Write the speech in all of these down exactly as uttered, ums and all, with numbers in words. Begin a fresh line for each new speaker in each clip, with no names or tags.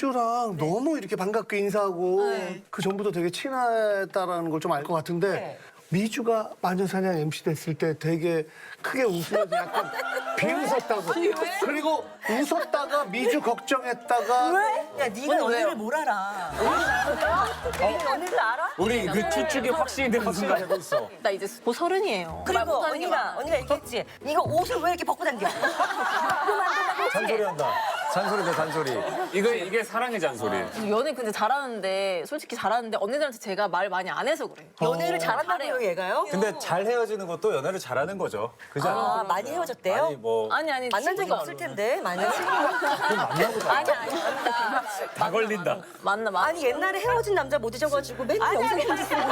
미주랑 너무 이렇게 반갑게 인사하고 그 전부터 되게 친했다라는 걸 좀 알 것 같은데
네.
미주가 마녀사냥 엠씨 됐을 때 되게 크게 웃으면서 약간 비웃었다고. 그리고 웃었다가 미주 걱정했다가
야, 네가 언니를 뭘 알아? 네가 언니를 알아?
우리 그 추측이 확신이 되는 순간
하고 있어.
나 이제 곧 서른이에요.
그리고 언니가 언니가 얘기했지. 이거 옷을 왜 이렇게 벗고 다녀? 그럼 안 된다고 했지?
잔소리한다. 잔소리다 잔소리.
이거 이게 사랑의 잔소리.
연애 근데 잘하는데 솔직히 잘하는데 언니들한테 제가 말 많이 안 해서 그래요.
연애를 잘한다고요, 얘가요?
근데 잘 헤어지는 것도 연애를 잘하는 거죠. 그지 않아?
아, 많이 헤어졌대요?
아니 뭐
아니 아니
만난 적이
친구가
없을 텐데, 많이.
만나보자.
아니 아니 만나
다 걸린다.
만나 만나.
아니, 옛날에 헤어진 남자 못 잊어가지고 맨날 영상 편지 쓰고.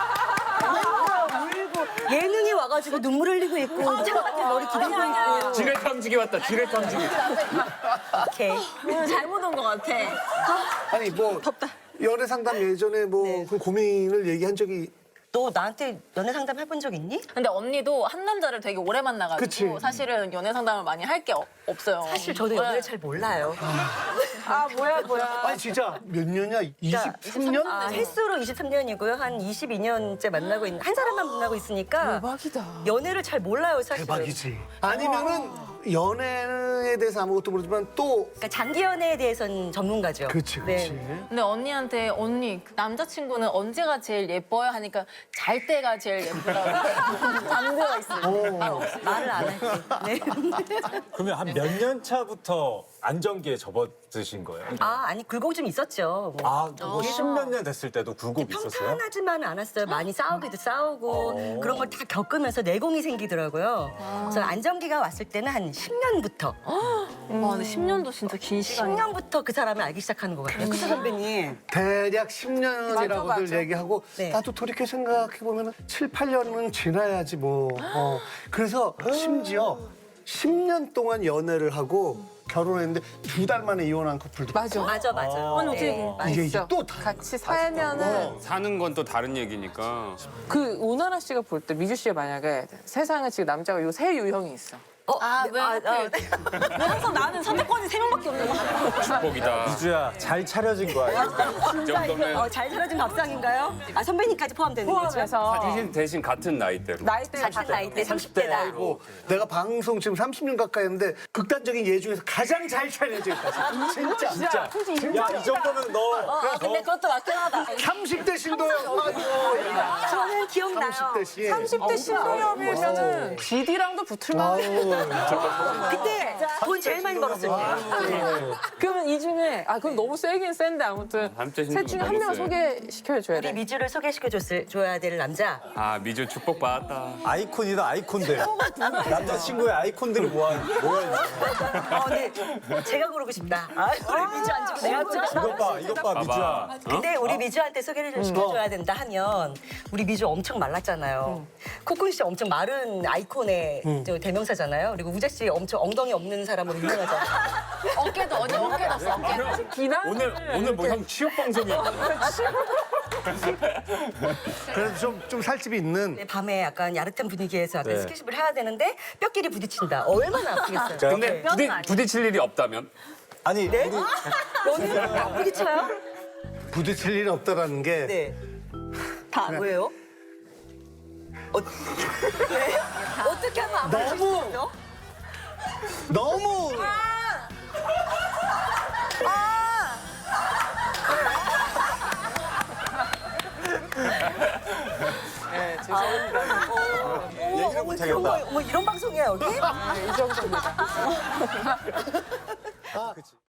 맨날 울고. 예능이 와가지고 눈물 흘리고 있고. 차갑게 머리 기대고 있고.
지뢰 탐지기 왔다. 지뢰 탐지기.
오케이.
오늘 잘못 온 것 같아.
아니 뭐 연애 상담 예전에 뭐
네.
그 고민을 얘기한 적이
너 나한테 연애 상담 해본 적 있니?
근데 언니도 한 남자를 되게 오래 만나가지고
그치.
사실은 연애 상담을 많이 할 게 없어요.
사실 저도 연애를 잘 몰라요.
아 뭐야 뭐야.
아니 진짜 몇 년이야? 이십삼 년?
아, 횟수로 이십삼 년이고요. 한 이십이 년째 만나고 있는 한 사람만 만나고 있으니까
대박이다.
연애를 잘 몰라요, 사실.
대박이지. 아니면은 연애에 대해서 아무것도 모르지만 또
그러니까 장기 연애에 대해서는 전문가죠.
그치
네.
그치.
근데 언니한테 언니 그 남자친구는 언제가 제일 예뻐요 하니까 잘 때가 제일 예쁘다고 잠들어 있어요.
말을 안 할게. 네.
그러면 한 몇 년 차부터 안정기에 접어드신 거예요?
아, 아니 굴곡 좀 있었죠. 뭐.
아, 뭐 십몇 년 됐을 때도 굴곡 있었어요?
평탄하지만은 않았어요. 많이 싸우기도 싸우고 그런 걸 다 겪으면서 내공이 생기더라고요. 그래서 안정기가 왔을 때는 한 십 년부터
와 근데 십 년도 진짜 긴
십
시간이야.
년부터 그 사람을 알기 시작하는 것 같아요. 그쵸, 선배님?
대략 십 년이라고들 얘기하고
네.
나도 돌이켜 생각해 보면 칠, 팔 년은 지나야지 뭐. 어. 그래서 심지어 십 년 동안 연애를 하고 결혼했는데 두 달 만에 이혼한 커플도
맞아.
맞아, 맞아.
아니 어떻게
네,
그-
이게
있어.
이제 또 다.
같이 살면은
사는 건 또 다른 얘기니까.
그 오나라 씨가 볼 때 미주 씨가 만약에 세상에 지금 남자가 요 세 유형이 있어.
어,
아, 왜
아,
하필.
아,
왜 항상 나는 선택권이 세 명밖에 없는 거야?
축복이다.
미주야, 잘 차려진 거야.
이 정도면
어, 잘 살아준 밥상인가요? 아, 선배님까지 포함되는 거죠?
포함해서
대신 대신 같은 나이대로.
나이대
같은 나이대 삼십 대다.
아이고 내가 방송 지금 삼십 년 가까이 했는데 극단적인 예 중에서 가장 잘 차려져 있다. 진짜. 진짜.
야, 이 정도면 너.
아 근데 그것도 맞긴 하다.
삼십 대 신도요.
저는 기억나요.
삼십 대 씨.
삼십 대 신동엽이면은 지디랑도 붙을만해.
그때 돈 제일 많이 벌었을 때.
그러면 이 중에 아 그럼 너무 세긴 센데 아무튼
삼십 대
셋 중에 한
너무
명을
세.
소개시켜줘야
우리
돼.
미주를 소개시켜 줘야 될 남자.
아 미주 축복 받았다.
아이콘이다, 아이콘들. 남자친구의 아이콘들이 모아, 모여있는.
어, 네. 제가 고르고 싶다. 아, 우리 미주 안 주고 내가 고르고 싶다.
이것 봐, 이것 봐, 미주야.
근데 우리 미주한테 소개를 좀 시켜줘야 된다 하면 우리 미주 엄청 말랐잖아요. 코쿤 씨 엄청 마른 아이콘의 저 대명사잖아요. 그리고 우재 씨 엄청 엉덩이 없는 사람으로 유명하잖아요.
어깨도 언니 어깨 났어 어깨.
비난
오늘 오늘 뭐 형 취업 방송이야.
그래도 좀, 좀 살집이 있는.
네, 밤에 약간 야릇한 분위기에서 약간
네.
스킨십을 해야 되는데 뼈끼리 부딪힌다. 얼마나 아프겠어요.
근데 부딪, 부딪힐 일이 없다면?
아니, 우리
너는 안 부딪혀요?
부딪힐 일이 없다라는 게
네. 다 왜요? 어, 왜? 어떻게 하면 안 부딪힐 수
너무-
있어?
너무
네, 죄송합니다.
어머, 어머, 그런 거, 어머, 이런 방송이야 여기?
네, 이 정도입니다.
아, 그치.